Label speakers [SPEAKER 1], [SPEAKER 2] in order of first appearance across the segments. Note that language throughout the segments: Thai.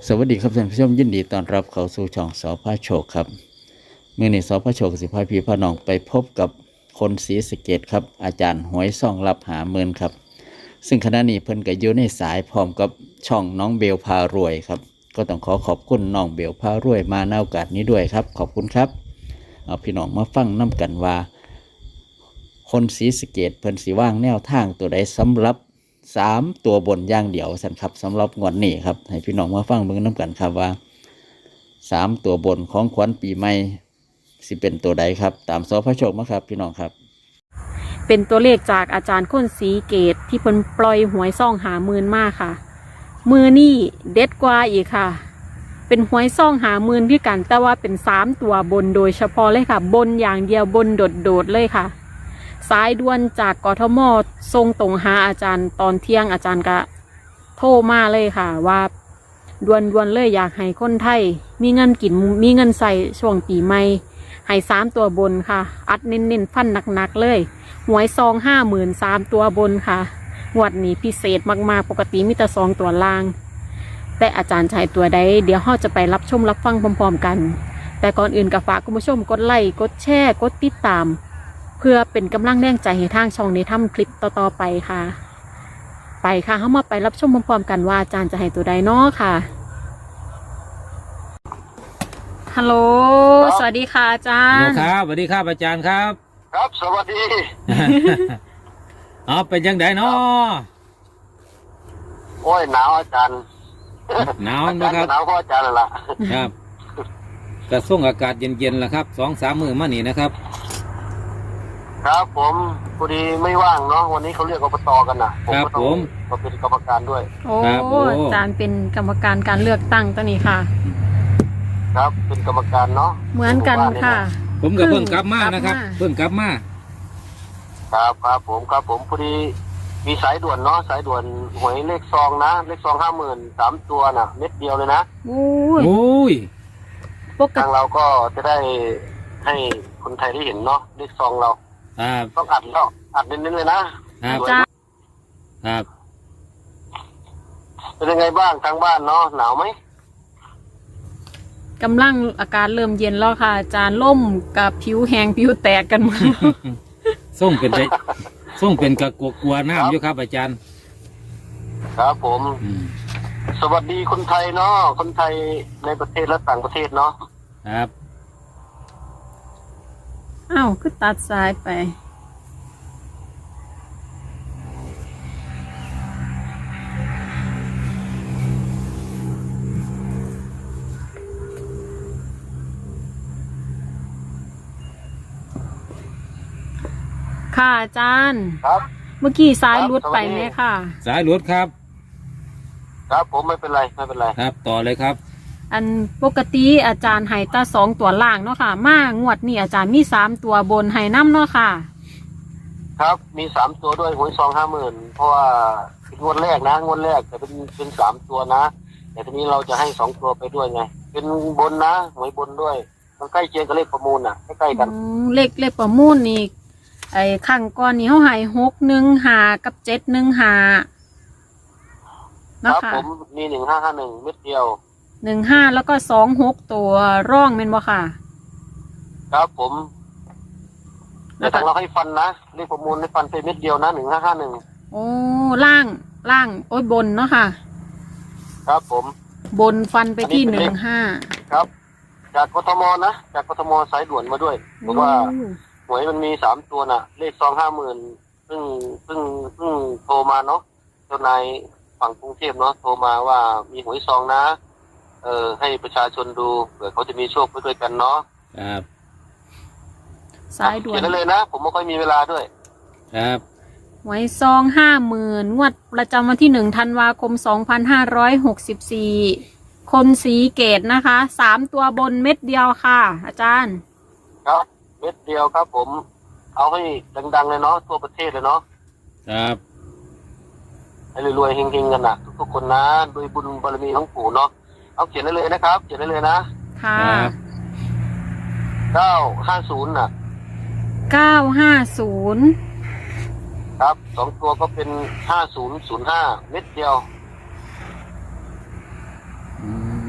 [SPEAKER 1] สวัสดีครับท่านผู้ชมยินดีต้อนรับเข้าสู่ช่องสพโชคครับมื่อนี้สพโชคสิพาพี่พาน้องไปพบกับคนศรีสะเกษครับอาจารย์หวยซ่องรับหาเมินครับซึ่งขณะนี้เพิ่นก็อยู่ในสายพร้อมกับช่องน้องเบลพารวยครับก็ต้องขอบคุณน้องเบลพารวยมาในโอกาสนี้ด้วยครับขอบคุณครับเอาพี่น้องมาฟังน้กันว่าคนศรีสะเกษเพิ่นสิว่างแนวทางตัวใดสำหรับ3ตัวบนอย่างเดียวสันครับสำหรับงวดนี้ครับให้พี่น้องมาฟังเบิ่งน้กันครับว่า3ตัวบนของขวัญปีใหม่สิเป็นตัวใดครับตามสพโชคมาครับพี่น้องครับ
[SPEAKER 2] เป็นตัวเลขจากอาจารย์ค้นศรีเกตที่เพิ่นปล่อยหวยซ่องหาหมื่นมากค่ะมือนี่เด็ดกว่าอีกค่ะเป็นหวยซ่องหาหมื่นที่กันแต่ว่าเป็น3ตัวบนโดยเฉพาะเลยค่ะบนอย่างเดียวบนโดดเลยค่ะสายด่วนจากกทมส่งตรงหาอาจารย์ตอนเที่ยงอาจารย์ก็โทรมาเลยค่ะว่าด่วนเลยอยากให้คนไทยมีเงินกินมีเงินใส่ช่วงปีใหม่ให้3ตัวบนค่ะอัดเน้นฟันหนักๆเลยหวยซอง53,000ตัวบนค่ะงวดนี้พิเศษมากๆปกติมีแต่2ตัวล่างแต่อาจารย์ชายตัวใดเดี๋ยวเราจะไปรับชมรับฟังพร้อมๆกันแต่ก่อนอื่นก็ฝากคุณผู้ชมกดไลค์กดแชร์กดติดตามเพื่อเป็นกำลังแรงใจให้ทางช่องในทำคลิปต่อๆไปค่ะไปค่ะเข้ามาไปรับชมพร้อมๆกันว่าอาจารย์จะให้ตัวใดเนาะค่ะฮัลโหลสวัสดีค่ะอาจารย์
[SPEAKER 3] ครับสวัสดีครับอาจารย์ครับ
[SPEAKER 4] ครับสวัสดี
[SPEAKER 3] อ๋อเป็นยังไงเนาะ
[SPEAKER 4] โอ้ยหนาวอาจารย์
[SPEAKER 3] หนาว
[SPEAKER 4] อา
[SPEAKER 3] นะ
[SPEAKER 4] จารย์
[SPEAKER 3] ครับ
[SPEAKER 4] ก็หนาวก็อาจารย์นั่นล่ะ
[SPEAKER 3] ครับกระส่งอากาศเย็นๆล่ะครับ2-3 มื้อมานี่นะครับ
[SPEAKER 4] ครับผมพอดีไม่ว่างเนาะวันนี้เขาเรียกอบตกันนะผมก็ต้องมาเป็นกรรมการด้วย
[SPEAKER 2] โอ้อาจารย์เป็นกรรมการการเลือกตั้งตัวนี้ค่ะ
[SPEAKER 4] ครับเป็นกรรมการเนาะ
[SPEAKER 2] เหมือนกันค่ะ
[SPEAKER 3] ผมก็เพิ่งกลับมานะครับ
[SPEAKER 2] กลับมา
[SPEAKER 3] เพิ่งกลับมา
[SPEAKER 4] ครับผมพอดีมีสายด่วนเนาะสายด่วนหวยเลขซองนะเลขซอง50,000 3 ตัวน่ะเม็ดเดียวเลยนะ
[SPEAKER 2] โอ้ย
[SPEAKER 3] โอ้ย
[SPEAKER 2] ปก
[SPEAKER 4] ทาง
[SPEAKER 2] ติ
[SPEAKER 4] เราก็จะได้ให้คนไทยได้เห็นเนาะเลขซองเรา
[SPEAKER 3] ครับ
[SPEAKER 4] ต้องอัดแล้วอัดเน้นๆเลยนะครับ
[SPEAKER 2] จ้า
[SPEAKER 3] ครับ
[SPEAKER 4] เป็นยังไงบ้างทางบ้านเนาะหนาวไหม
[SPEAKER 2] กำลังอาการเริ่มเย็นแล้วค่ะอาจารย์ล่มกับผิวแห้งผิวแตกกันหมา
[SPEAKER 3] ส่งเป็นไปส่งเป็นกระกลัวน้ำอยู่ครับอาจารย์
[SPEAKER 4] ครับผม
[SPEAKER 3] อืม
[SPEAKER 4] สวัสดีคนไทยเนาะคนไทยในประเทศและต่างประเทศเนาะ
[SPEAKER 3] ครับ
[SPEAKER 2] อ้าวคือตัดสายไปค่ะอาจารย์
[SPEAKER 4] ครับ
[SPEAKER 2] เมื่อกี้สายรุดไปไหมค่ะ
[SPEAKER 3] สายหลวดครับ
[SPEAKER 4] ครับผมไม่เป็นไรไม่เป็นไร
[SPEAKER 3] ครับต่อเลยครับ
[SPEAKER 2] อันปกติอาจารย์ให้ตา2ตัวล่างเนาะค่ะ มางวดนี้อาจารย์มี3ตัวบนให้น้ำเนาะค่ะ
[SPEAKER 4] ครับมี3 ตัวด้วยหวยซอง50,000เพราะว่าเป็นงวดแรกนะงวดแรกแต่เป็น3 ตัวนะแต่ทีนี้เราจะให้2 ตัวไปด้วยไงเป็นบนนะหวยบนด้วยมันใกล้เคียงกับเลขประมูลน่ะใกล้ๆกัน
[SPEAKER 2] เลขประมูลนี่ไอ้ข้างก่อนนี่เขาให้615กับ715
[SPEAKER 4] ค
[SPEAKER 2] นะ
[SPEAKER 4] รับ
[SPEAKER 2] คะ
[SPEAKER 4] ผมมี1551เม็ดเดียว
[SPEAKER 2] 15แล้วก็26ตัวร่องเป็นบ่ค่ะ
[SPEAKER 4] ครับผมแต่
[SPEAKER 2] แล้วก็
[SPEAKER 4] ทางเราให้ฟันนะเลขประมูลให้ฟันไปเม็ดเดียวนะ1551
[SPEAKER 2] โอ้ล่างโอ้ยบนเนาะค่ะ
[SPEAKER 4] ครับผม
[SPEAKER 2] บนฟันไปที่
[SPEAKER 4] อันนี้เป็นเลข
[SPEAKER 2] 15
[SPEAKER 4] ครับ จากกทมนะจากกทมสายด่วนมาด้วยเพราะว่า หวยมันมี3 ตัวน่ะ เลขซอง50,000เพิ่งโทรมาเนาะเจ้านายฝั่งกรุงเทพเนาะโทรมาว่ามีหวยซองนะให้ประชาชนดูเผื่อเขาจะมีโชคไปด้วยกันเนาะ
[SPEAKER 3] ครับ
[SPEAKER 2] สายด่ว
[SPEAKER 4] เขี
[SPEAKER 2] น
[SPEAKER 4] ยนได้เลยนะผมไม่ค่อยมีเวลาด้วย
[SPEAKER 3] ครับ
[SPEAKER 2] ไว้ซอง50,000งวดประจำวันที่1ธันวาคม2564คนสีเกตนะคะ3ตัวบนเม็ดเดียวค่ะ อาจารย์
[SPEAKER 4] ครับเม็ดเดียวครับผมเอาให้ดังๆเลยเนาะทั่วประเทศเลยเนาะ
[SPEAKER 3] ครับ
[SPEAKER 4] ให้รวยๆเฮงๆกันนะทุกๆคนนะด้วยบุญบารมีของปู่เนาะเอาเขียนได้เลยนะครับเขียนได้เลยนะ
[SPEAKER 2] ค่ะ
[SPEAKER 4] 950น่ะ
[SPEAKER 2] 950
[SPEAKER 4] ครับ2 ตัวก็เป็น5005เม็ดเดียว
[SPEAKER 3] อืม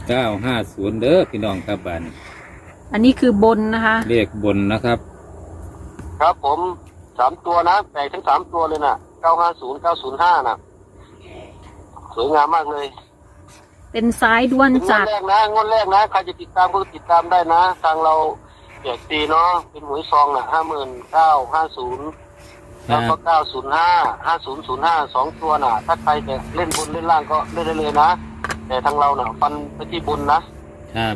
[SPEAKER 3] 950เด้อพี่น้องครับบ้าน
[SPEAKER 2] อันนี้คือบนนะคะ
[SPEAKER 3] เลขบนนะครับ
[SPEAKER 4] ครับผม3ตัวนะแตกทั้ง3ตัวเลยนะ950 905นะสวยงามมากเลย
[SPEAKER 2] เป็นสายด่วน
[SPEAKER 4] เป็นงว
[SPEAKER 2] จา
[SPEAKER 4] ด
[SPEAKER 2] ก
[SPEAKER 4] แรกนะงวดแรกนะใครจะติดตามก็ติดตามได้นะทางเราแจกฟรีเนาะเป็นหวยซองน่ะ5950แล้วก็905 5005 2ตัวน่ะถ้าใครจะเล่นบนเล่นล่างก็เล่นได้เลยนะแต่ทางเราน่ะฟันไปที่บนนะครับ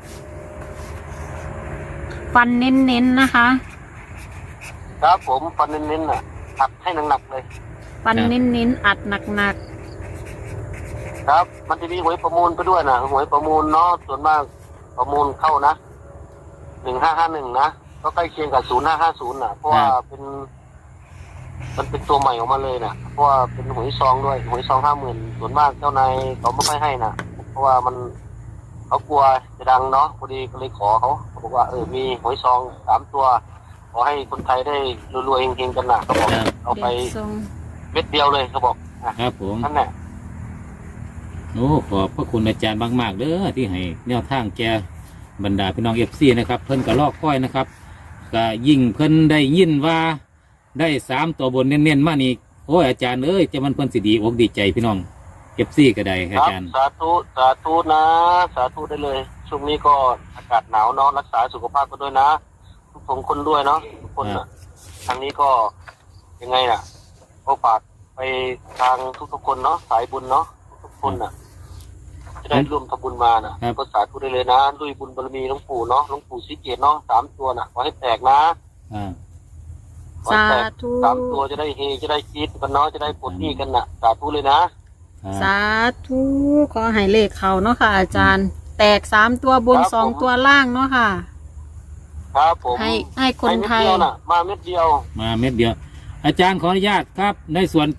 [SPEAKER 2] ฟันเน้นๆนะคะ
[SPEAKER 4] ครับผมฟันเน้นๆน่ะอัดให้หนักๆเลย
[SPEAKER 2] ฟันเน้นๆอัดหนัก
[SPEAKER 4] ครับมันจะมีหวยประมูลไปด้วยนะหวยประมูลเนาะส่วนมากประมูลเข้านะ1551นะก็ใกล้เคียงกับ0550นะเพราะว่ามันเป็นตัวใหม่ออกมาเลยนะเพราะว่าเป็นหวยซองด้วยหวยซอง50,000ส่วนมากเจ้านายเขาไม่ค่อยให้นะเพราะว่าเขากลัวจะดังเนาะพอดีก็เลยขอเขาบอกว่ามีหวยซอง3ตัวขอให้คนไทยได้รวยๆเฮงๆกันนะเขาบอกเอา
[SPEAKER 2] ๆ
[SPEAKER 4] ไป
[SPEAKER 2] เด็กทรง
[SPEAKER 4] เม็ดเดียวเลยเขาบอก
[SPEAKER 3] ครับผม
[SPEAKER 4] นั่นแหละ
[SPEAKER 3] โอ้ขอบพระคุณอาจารย์มากๆเด้อที่ให้แนวทางแกบรรดาพี่น้องFCนะครับเพิ่นก็ลอกค่อยนะครับก็ยิ่งเพิ่นได้ยินว่าได้3ตัวบนเน้นๆมานี่โอ้ยอาจารย์เอ้ยจะมันเพิ่นสิดีอกดีใจพี่น้อง FC ก็ได้
[SPEAKER 4] ค
[SPEAKER 3] อา
[SPEAKER 4] รับ
[SPEAKER 3] จารย์
[SPEAKER 4] สาธุนะสาธุได้เลยช่วงนี้ก็อากาศหนาวเนาะรักษาสุขภาพกันด้วยนะทุกคนด้วยเนาะทุกคนนะทางนี้ก็ยังไงน่ะก็ฝากไปทางทุกๆคนเนาะสายบุญเนาะทุกๆคนน่ะ จะได้ร่วมทำบุญมาน่ะก็สาธุได้เลยนะด้วยบุญบารมีหลวงปู่เนาะหลวงปู่ศรีเกียรติเนาะ3ตัวน่ะขอให้แตกนะ
[SPEAKER 3] อ่า
[SPEAKER 4] ขอให้แตก
[SPEAKER 2] สาธุ
[SPEAKER 4] 3ตัวจะได้เฮจะได้คิดกันเนาะจะได้ปลดหนี้กันน่ะสาธุเลยนะ
[SPEAKER 2] สาธุขอให้เลขเขาเนาะค่ะ อาจารย์ แตก3ตัวบน2ตัวล่างเนาะค่ะ
[SPEAKER 4] ครับผม
[SPEAKER 2] ให้คนไทย
[SPEAKER 4] ให้เม็ดเดียวน่ะมาเม็ดเดียว
[SPEAKER 3] มาเม็ดเดียวอาจารย์ขออนุญาตครับในส่วน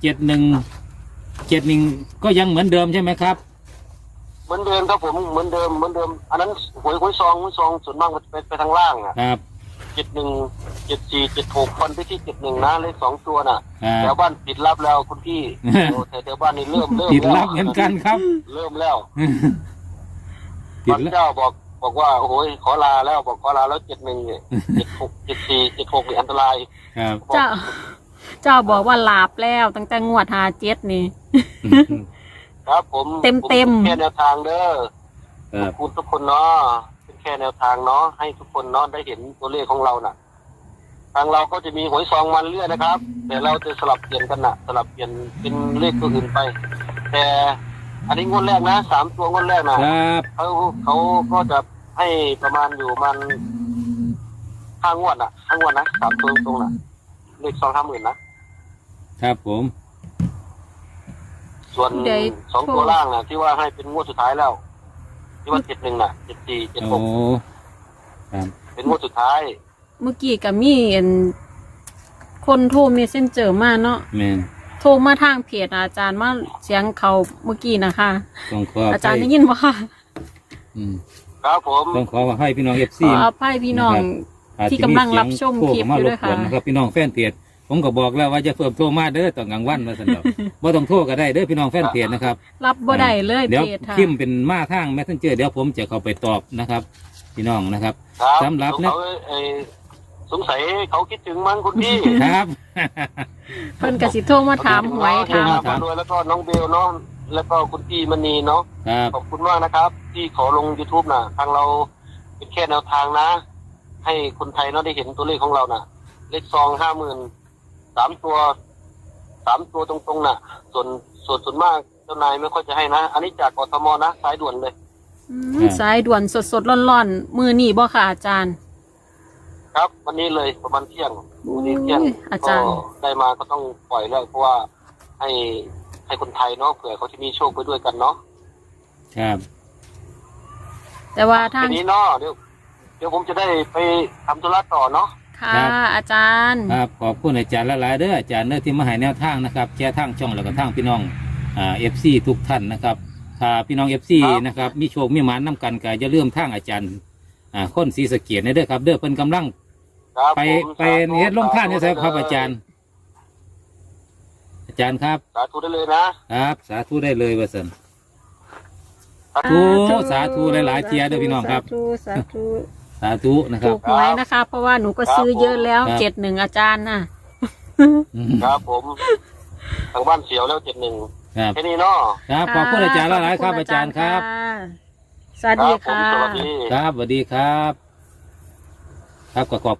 [SPEAKER 3] 71ก็ยังเหมือนเดิมใช่ไหมครับ
[SPEAKER 4] เหมือนเดิมครับผมเหมือนเดิมอันนั้นหวยซองส่วนมากมันไปทางล่างอ่ะ
[SPEAKER 3] ครับ
[SPEAKER 4] 71 74 76ฟันไปที่71นะเลข2ตัวน่ะ
[SPEAKER 3] ครับ
[SPEAKER 4] แถวบ้านปิดรับแล้วคุณพี่ โอ้แถวบ้านนี่เริ่ม
[SPEAKER 3] ติด
[SPEAKER 4] แล้ว
[SPEAKER 3] รับเหมือนกันครับ
[SPEAKER 4] เริ่มแล้ว
[SPEAKER 3] ติด
[SPEAKER 4] บาง
[SPEAKER 3] รับ
[SPEAKER 4] เจ้าบอกว่าโอ้โหขอลาแล้วบอกขอลาแล้ว71เนี่ย76 74 76นี่อันตราย
[SPEAKER 3] ครับ
[SPEAKER 2] เจ้าบอกว่าลาบแล้วตั้งแต่งวด57นี่
[SPEAKER 4] ครับผม
[SPEAKER 2] เต็ม
[SPEAKER 4] แค่แนวทางเด้อ
[SPEAKER 3] ครับ
[SPEAKER 4] ขอบคุณทุกคนเนาะเป็นแค่แนวทางเนาะให้ทุกคนเนาะได้เห็นตัวเลขของเราน่ะ ทางเราก็จะมีหวยซองมันเรื่อยนะครับ แต่เราจะสลับเปลี่ยนกันน่ะ สลับเปลี่ยนเป็นเลขตัวอื่นไป แต่อันนี้งวดแรกนะ3ตัวงวดแรกนะครับ เขาก็จะให้ประมาณอยู่มัน5 งวดน่ะ5 งวดนะ3ตัวตรงๆน่ะเลข250,000นะครับ
[SPEAKER 3] ผม
[SPEAKER 4] ส่วน
[SPEAKER 2] ได้
[SPEAKER 4] 2ตัวล่างน่ะที่ว่าให้เป็นงวดสุดท้ายแล้ว ที่ว่า71น่ะ74
[SPEAKER 3] โอ้
[SPEAKER 4] 76
[SPEAKER 3] ครับ
[SPEAKER 4] เป็นงวดสุดท้าย
[SPEAKER 2] เมื่อกี้ก็มีคนโทรเมสเซนเจอร์มาเนาะ
[SPEAKER 3] แม่น
[SPEAKER 2] โทรมาทางเพจอาจารย์มาเสียงเขาเมื่อกี้นะคะ
[SPEAKER 3] ต้องขอ
[SPEAKER 2] อาจารย์ได้ยินบ่ค่ะ
[SPEAKER 3] อืม
[SPEAKER 4] ครับผม
[SPEAKER 3] ต้องขอให้พี่น้อง FC
[SPEAKER 2] ขออภัยพี่น้อง ที่กำลังรับชมคลิปอยู่ด้วยค่ะ
[SPEAKER 3] นะครับพี่น้องแฟนเพจผมก็บอกแล้วว่าจะเพิ่มโทรมาเด้อตอนกลางวันมาสันดอกบ่ต้องโทรก็ได้เด้อพี่น้องแฟนเพจนะครับ
[SPEAKER 2] รับบ่ได้เลย
[SPEAKER 3] เดี๋ยว
[SPEAKER 2] เพจค่ะ
[SPEAKER 3] พิมพ์เป็นมาทาง Messenger เดี๋ยวผมจะเข้าไปตอบนะครับ พี่น้องนะครับ
[SPEAKER 4] ครับ
[SPEAKER 3] สำหรับเนี่ย
[SPEAKER 4] สงสัยเขาคิดถึงมั้งคุณพี่
[SPEAKER 3] ครับ
[SPEAKER 2] เพิ่นก็สิโทรมาถามหวยถาม
[SPEAKER 3] ถาม
[SPEAKER 4] ด้วยแล้วก็น้องเบลเนาะแล้วก็คุณพี่มณีเนาะ
[SPEAKER 3] ครับ
[SPEAKER 4] ขอบคุณมากนะครับ ที่ขอลง YouTube น่ะ ทางเราเป็นแค่แนวทางนะ ให้คนไทยเนาะได้เห็นตัวเลขของเราน่ะ เลขซอง50,000 3 ตัวตรงๆน่ะ ส่วนมากเจ้านายไม่ค่อยจะให้นะ อันนี้จากกทมนะสายด่วนเลย
[SPEAKER 2] สายด่วนสดๆร้อนๆมือนี่บ่ค่ะอาจารย์
[SPEAKER 4] ครับ วันนี้เลยประมาณเที่ยงวันนี้เที่ยง
[SPEAKER 2] อาจารย์
[SPEAKER 4] ก็ได้มาก็ต้องปล่อยแล้วเพราะว่าให้คนไทยเนาะเผื่อเขาจะมีโชคไปด้วยกันเนาะ
[SPEAKER 3] ครับ
[SPEAKER 2] แต่ว่าทาง
[SPEAKER 4] ทีนี้เนาะเดี๋ยวผมจะได้ไปทำธุระต่อเนาะ
[SPEAKER 2] ค่ะอาจารย์
[SPEAKER 3] ครับขอบคุณอาจารย์หลายๆเด้ออาจารย์เด้อที่มาให้แนวทางนะครับแชร์ทางช่องแล้วก็ทางพี่น้องFC ทุกท่านนะครับถ้าพี่น้อง FC นะครับมีโชคมีหมานนํกันก็อย่าลืมทางอาจารย์คนศรีสะเกียรติเด้อครับเด้อเพิ่นกำลัง
[SPEAKER 4] ครับ
[SPEAKER 3] ไป
[SPEAKER 4] ผม
[SPEAKER 3] ไปเฮ็ดลงท่านนี่ใช่ครับอาจารย์ อาจารย์ครับ
[SPEAKER 4] สาธุได้เลยนะครับ
[SPEAKER 3] สาธุได้เลยว่าสันสาธุหลายๆเทียเด้อพี่น้องครับ
[SPEAKER 2] สาธุ
[SPEAKER 3] สาธุนะครับ
[SPEAKER 2] ถูกหวยนะคะ เพราะว่าหนูก็ซื้อเยอะแล้ว
[SPEAKER 3] ครับ
[SPEAKER 2] 71อาจารย์น่ะ
[SPEAKER 4] ครับผมทางบ้านเสียวแล้ว71
[SPEAKER 3] ครับ
[SPEAKER 4] แค่นี้เนาะ
[SPEAKER 3] ครับขอบคุณอาจารย์หลายๆครับอาจารย์ครับ
[SPEAKER 2] สวัสดี
[SPEAKER 4] ผม
[SPEAKER 2] ค่ะ
[SPEAKER 4] สวัสดี
[SPEAKER 3] ครับสวัสดีครับ ครับก็ขอบ